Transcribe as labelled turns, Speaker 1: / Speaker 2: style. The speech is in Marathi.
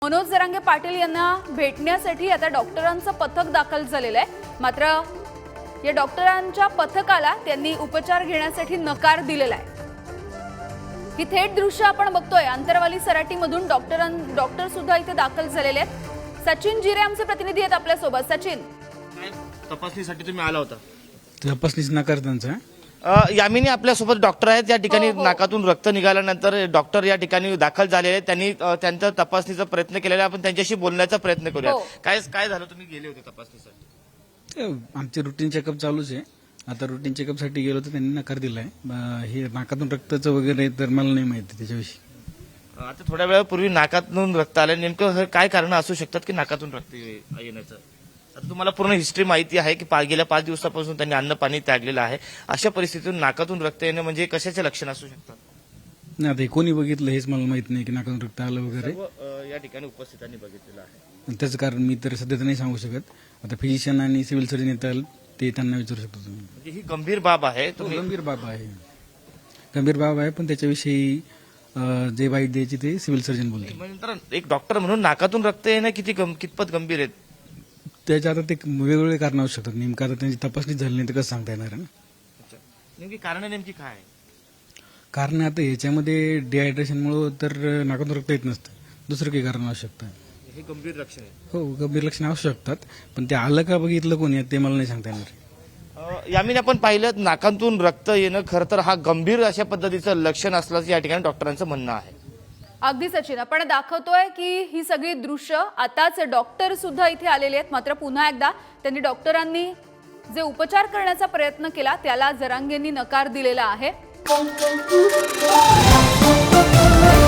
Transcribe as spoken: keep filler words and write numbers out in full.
Speaker 1: मनोज जरांगे पाटील यांना भेटण्यासाठी आता डॉक्टरांचं पथक दाखल झालेलं आहे। मात्र या डॉक्टरांच्या पथकाला त्यांनी उपचार घेण्यासाठी नकार दिलेला आहे। ही थेट दृश्य आपण बघतोय। अंतरवाली सराटीमधून डॉक्टरां डॉक्टर सुद्धा इथे दाखल झालेले आहेत। सचिन जिरे आमचे प्रतिनिधी आहेत आपल्या सोबत। सचिन,
Speaker 2: तपासणीसाठी तुम्ही आला होता?
Speaker 3: तपासणीच नकार त्यांचा।
Speaker 2: यामिनी आपल्यासोबत डॉक्टर आहेत। या ठिकाणी
Speaker 1: हो, हो.
Speaker 2: नाकातून रक्त निघाल्यानंतर डॉक्टर या ठिकाणी दाखल झालेले आहेत। त्यांनी अ, त्यांचा तपासणीचा प्रयत्न केलेला आहे। आपण त्यांच्याशी बोलण्याचा प्रयत्न करूया।
Speaker 1: हो.
Speaker 2: काय काय झालं, तुम्ही गेले होते तपासणीसाठी?
Speaker 3: आमचे रुटीन चेकअप चालूच आहे। आता रुटीन चेकअप साठी गेलो तर त्यांनी नकार दिलाय। ब- हे नाकातून रक्ताचं वगैरे तर मला नाही माहिती त्याच्याविषयी।
Speaker 2: अ, आता थोड्या वेळापूर्वी नाकातून रक्त आलं, नेमकं हे काय कारण असू शकतात की नाकातून रक्त ये- येण्याचं? आता तुम्हाला पूर्ण हिस्ट्री माहिती आहे की पा- गेल्या पाच दिवसापासून त्यांनी अन्न पाणी त्यागलेलं आहे। अशा परिस्थितीतून नाकातून रक्त येणं म्हणजे कशाचे लक्षण असू शकतात?
Speaker 3: नाही, आता हे कोणी बघितलं हेच मला माहित नाही की नाकातून रक्त आलं वगैरे।
Speaker 2: सर्व, अ, या ठिकाणी उपस्थितांनी बघितलेलं आहे।
Speaker 3: आणि त्याचं कारण मी तर सध्या तर नाही सांगू शकत। आता फिजिशियन आणि सिव्हिल सर्जन येतात, ते त्यांना विचारू शकतो तुम्ही।
Speaker 2: म्हणजे ही गंभीर बाब आहे।
Speaker 3: तो
Speaker 2: तुम्ही
Speaker 3: गंभीर बाब आहे, गंभीर बाब आहे, पण त्याच्याविषयी अं, जे वाईट द्यायची ते सिव्हिल सर्जन बोलते।
Speaker 2: नंतर एक डॉक्टर म्हणून नाकातून रक्त येणं किती गं- कितपत गंभीर आहे?
Speaker 3: त्याच्या आता ते वेगवेगळे कारण असू शकतात। नेमकं आता त्यांची तपासणी झाली नाही तर कसं सांगता येणार आहे ना।
Speaker 2: अच्छा. नेमकी कारण नेमकी काय आहे?
Speaker 3: कारण आता याच्यामध्ये डिहायड्रेशनमुळे तर नाकातून रक्त येत नसतं, दुसरं काही कारण असू शकतं।
Speaker 2: हे गंभीर लक्षण आहे।
Speaker 3: हो, गंभीर लक्षणं असू शकतात, पण ते आलं का बघितलं कोणी ते मला नाही सांगता येणार।
Speaker 2: अ, यामिनी आपण पाहिलं, नाकातून रक्त येणं खरं तर हा गंभीर अशा पद्धतीचं लक्षण असल्याचं या ठिकाणी डॉक्टरांचं म्हणणं आहे।
Speaker 1: अगदी सचिन, आपण दाखवतोय की ही सगळी दृश्य आताच डॉक्टर सुद्धा इथे आलेले आहेत। मात्र पुन्हा एकदा त्यांनी डॉक्टरांनी जे उपचार करण्याचा प्रयत्न केला त्याला जरांगेंनी नकार दिलेला आहे।